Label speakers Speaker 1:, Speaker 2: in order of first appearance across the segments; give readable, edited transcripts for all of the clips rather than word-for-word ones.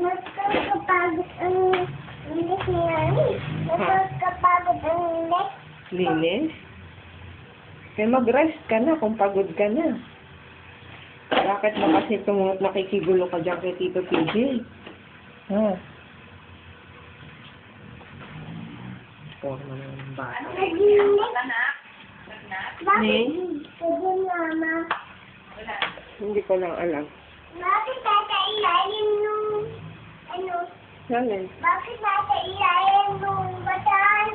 Speaker 1: Nakakapagod ang linis niya. Nakakapagod ang linis.
Speaker 2: Linis? Kaya mag-rest ka na kung pagod ka na. Bakit ba kasi nakikigulo ka dyan kay Tito PJ? Ha? Forma ng bata.
Speaker 1: Naglinis. Bakit?
Speaker 2: Ni?
Speaker 1: Sabi mama.
Speaker 2: Hindi ko lang alam.
Speaker 1: Bakit nasa ilalim nung ano?
Speaker 2: Alin?
Speaker 1: Bakit nasa ilalim nung bataan?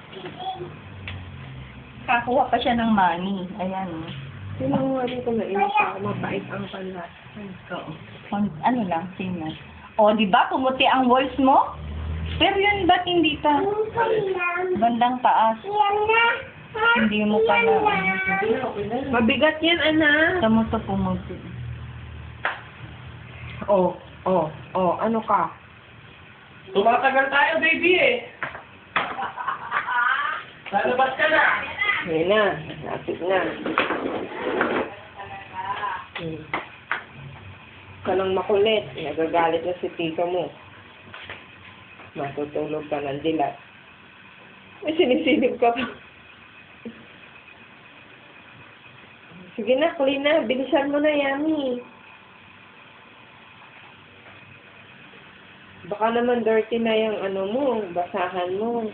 Speaker 3: Kakuha pa siya ng money. Ayan.
Speaker 2: Sino nga rin ko nainis ako, mabait ang panlat.
Speaker 3: Oo. Ano lang, sino? O, di ba? Pumuti ang walls mo? Pero yun, ba't hindi pa?
Speaker 1: Yung lang.
Speaker 3: Bandang taas.
Speaker 1: Yan na. Ha?
Speaker 3: Hindi mo pa
Speaker 1: Yan
Speaker 3: na.
Speaker 1: na.
Speaker 2: Mabigat yan, anak.
Speaker 3: Sa mo to pumuti.
Speaker 2: Ano ka?
Speaker 4: Tumatagal tayo, baby eh. Lalabas ka na.
Speaker 2: Yan na, lapit na. Ka lang makulit, nagagalit na si tito mo. Matutulog ka ng dilat. May sinisilip ka pa. Sige na, clean na. Bilisan mo na, Yami. Baka naman dirty na yung ano mo, basahan mo.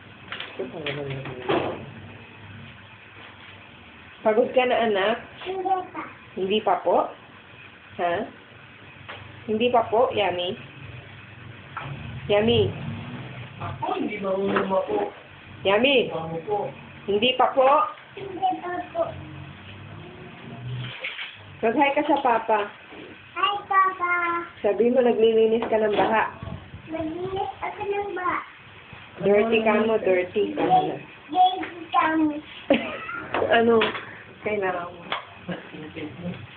Speaker 2: Pagod ka na, anak?
Speaker 1: Hindi pa.
Speaker 2: Hindi pa po? Ha? Hindi pa po, Yami? Yami?
Speaker 4: Ako, hindi marunong ako.
Speaker 2: Yami?
Speaker 4: Ano po?
Speaker 2: Hindi pa po?
Speaker 1: Hindi pa po.
Speaker 2: Mag-hi ka sa papa.
Speaker 1: Hi, Papa.
Speaker 2: Sabi mo, naglilinis ka ng baha.
Speaker 1: Maglinis ako ng ba?
Speaker 2: Dirty ka mo, dirty ka mo.
Speaker 1: Baby kami.
Speaker 2: Ano? Kailangan mo.